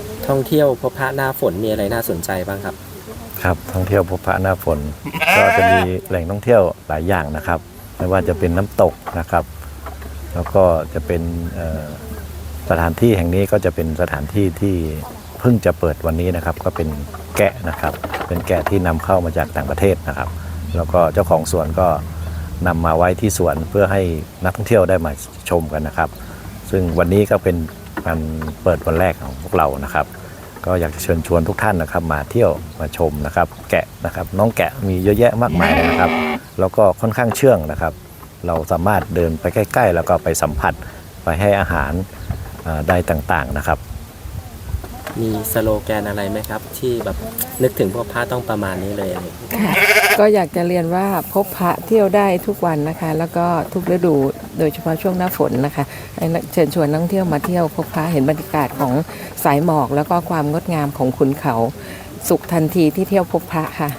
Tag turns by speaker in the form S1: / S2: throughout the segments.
S1: ท่องเที่ยวพบพระหน้าฝนมีอะไรน่าสนใจบ้างครับ
S2: ครับท่องเที่ยวพบพระหน้าฝน ก็จะมีแหล่งท่องเที่ยวหลายอย่างนะครับไม่ว่าจะเป็นน้ำตกนะครับ แล้วก็จะเป็นสถานที่แห่งนี้ก็จะเป็นสถานที่ที่เพิ่งจะเปิดวันนี้นะครับ ก็เป็นแกะนะครับ เป็นแกะที่นำเข้ามาจากต่างประเทศนะครับ แล้วก็เจ้าของสวนก็นำมาไว้ที่สวนเพื่อให้นักท่องเที่ยวได้มาชมกันนะครับ ซึ่งวันนี้ก็เป็นการเปิดวันแรกของพวกเรานะครับก็อยากจะเชิญชวนทุกท่านนะครับมาเที่ยวมาชมนะครับแกะนะครับน้องแกะมีเยอะแยะมากมายเลยนะครับแล้วก็ค่อนข้างเชื่องนะครับเราสามารถเดินไปใกล้ๆแล้วก็ไปสัมผัสไปให้อาหารได้ต่างๆนะครับ
S1: มีสโลแกนอะไรไหมครับที่แบบนึกถึงพวกพระต้องประมาณนี้เลยอะไร
S3: ก็อยากจะเรียนว่าพบพระเที่ยวได้ทุกวันนะคะแล้วก็ทุกฤดูโดยเฉพาะช่วงหน้าฝนนะคะเชิญชวนนักท่องเที่ยวมาเที่ยวพบพระเห็นบรรยากาศของสายหมอกแล้วก็ความงดงามของขุนเขาสุขทันทีที่เที่ยวพบพระค่ะ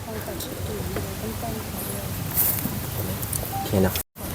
S1: โอเคเนาะ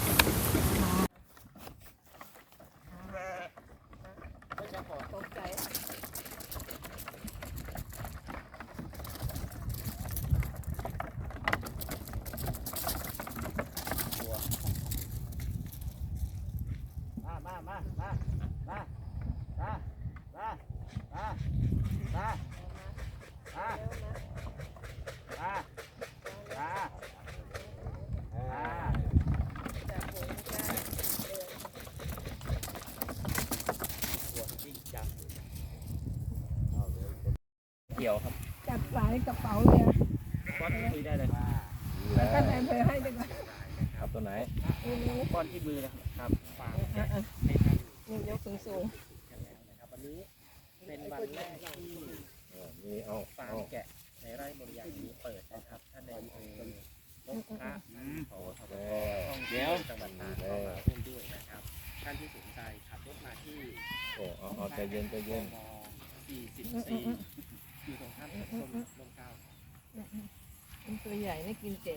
S1: เกี่ยวครับ
S3: จับสายกระเป๋าเลย
S1: ป้อนที่ได้เลย
S3: แล้วก็ในเธอให้ด้วย
S2: ครับตัวไหน
S1: ป้อนที่มือนะครับฝาก
S3: นี่ยกสูง
S1: นะครับวันนี้เป็นวันแรกที่ฟาร์มแกะในไร่บริยางนี้เปิดนะครับท่านในอำเภอนกพระเดี๋ยวจังหวัดตากก็มาร่วมด้วยนะครับท่านที่สนใจขับรถมาที่
S2: ใจเย็น
S1: 44อยู่ตรงข้ามกับร่มเกล้า
S3: ตัวใหญ่ไม่กินเก่ง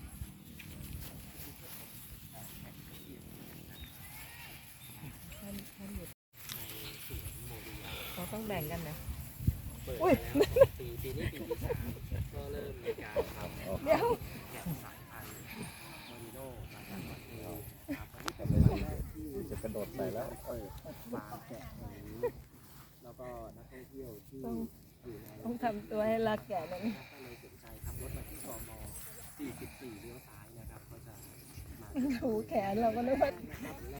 S3: เราต้องแบ่งกันนะอุ้ย
S1: ปีนี้ปีที่3ก็เริ่มมีการทำ
S3: เดี๋ยว
S1: แกะสายพันธุ์โมริโน่มาจากประเทศครับวันนี้เป็นวันแรกที่
S2: จะกระโดดใส่แล้ว
S1: เปิดฟาร์มแกะแห่งนี้แล้วก็นักท่องเที่ยวที่
S3: ต้องทำตัวให้รักแก่นั้น
S1: ถ้าเลยสนใจขับรถมาที่กม44เลี้ยวซ้ายนะครับก็จะมา
S3: ถูแขนเราก็นึกว่า